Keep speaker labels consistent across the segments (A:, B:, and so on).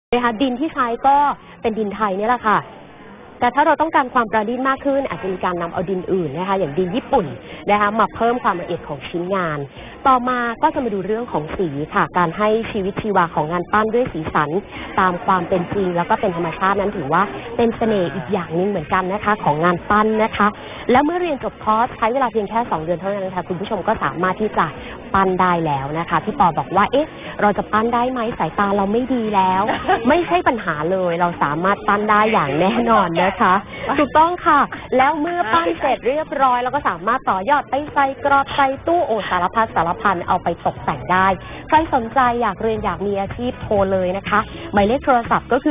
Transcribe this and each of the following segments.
A: นะคะดินที่ใช้ก็เป็นดินไทยนี่แหละค่ะแต่ถ้าเราต้องการความประณีตมากขึ้นอาจจะมีการนำเอาดินอื่นนะคะอย่างดินญี่ปุ่นนะคะมาเพิ่มความละเอียดของชิ้นงานต่อมาก็จะมาดูเรื่องของสีค่ะการให้ชีวิตชีวาของงานปั้นด้วยสีสันตามความเป็นจริงแล้วก็เป็นธรรมชาตินั้นถือว่าเป็นเสน่ห์อีกอย่างหนึ่งเหมือนกันนะคะของงานปั้นนะคะแล้วเมื่อเรียนจบคอร์สใช้เวลาเพียงแค่2 เดือนเท่านั้นนะคะคุณผู้ชมก็สามารถที่จะปั้นได้แล้วนะคะพี่ปอบอกว่าเอ๊ะเราจะปั้นได้ไหมสายตาเราไม่ดีแล้ว ไม่ใช่ปัญหาเลยเราสามารถปั้นได้อย่างแน่นอนนะคะถูกต้องค่ะแล้วเมื่อปั้นเสร็จเรียบร้อยเราก็สามารถต่อยอดไปใส่กรอบใส่ตู้โอสารพัดสารพันเอาไปตกแต่งได้ใครสนใจอยากเรียนอยากมีอาชีพโทรเลยนะคะหมายเลขโทรศัพท์ก็คือ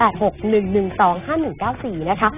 A: 0861125194นะคะ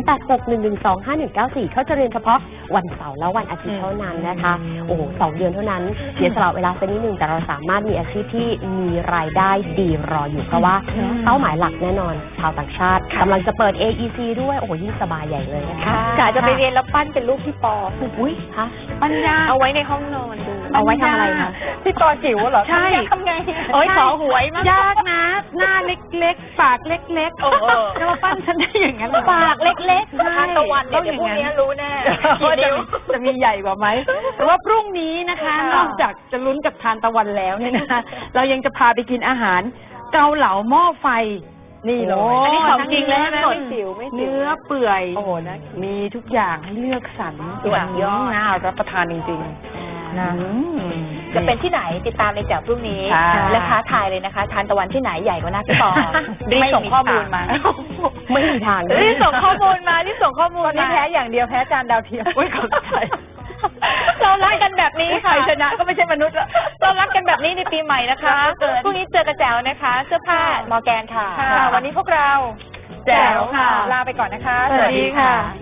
A: 0861125194เขาจะเรียนเฉพาะวันเสาร์และวันอาทิตย์เท่านั้นนะคะโอ้โห2 เดือนเท่านั้นเสียสละเวลาสักนิดนึงแต่เราสามารถมีอาชีพที่มีรายได้ดีรออยู่เพราะว่าเป้าหมายหลักแน่นอนชาวต่างชาติกำลังจะเปิด AEC ด้วยโอ้โหยิ่งสบายใหญ่เลยนะคะ
B: กะจะไปเรียนแล้วปั้นเป็นรูปพี่ปอ
A: อุ้ยคะ
B: ปั้นยากเอาไว้ในห้องนอนดู
A: เอาไว้ทำอะไรคะ
B: พี่ปอจิ๋วเหรอ
A: ใช่
B: ทำไงโอ้ยขอหวยมาก
A: ยากนะหน้าเล็กๆปากเล็กๆจะมาปั้นฉันได้อย่างนั้น
B: ปากเล็กๆทานตะวันเนี่ยเดี๋ยวพรุ่งนี้รู้แน่
A: ว่าจะมีใหญ่กว่าไหมแต่ว่าพรุ่งนี้นะคะนอกจากจะลุ้นกับทานตะวันแล้วเนี่ยนะคะเรายังจะพาไปกินอาหารเกาเหลาหม้อไฟนี่เลย
B: อันนี้ของจริงเลยนะ
A: เนื้อเปื่อยมีทุกอย่างให้เลือกสรร
B: ส่วนย่อ
A: น่ารับประทานจริงๆนะ
B: จะเป็นที่ไหนติดตามในจากพรุ่งนี้และท้าทายเลยนะคะทานตะวันที่ไหนใหญ่กว่าหน้าพี่ปอรีบส่งข้อมูลมา
A: ไม่มีทาง
B: รีบส่งข้อมูลมารีบส่งข้อมูล
A: ตอนนี้แพ้อย่างเดียวแพ้จานดาวเทียม
B: อุ้ยขอบใจเรารักกันแบบนี้ค่ะ
A: ชนะก็ไม่ใช่มนุษย์แล้ว
B: เรารักกันแบบนี้ในปีใหม่นะคะพรุ่งนี้เจอกระแจวนะคะเสื้อผ้ามอร์แกนค่ะวันนี้พวกเรา
A: แจ๋วค่ะ
B: ลาไปก่อนนะคะ
A: สวัสดีค่ะ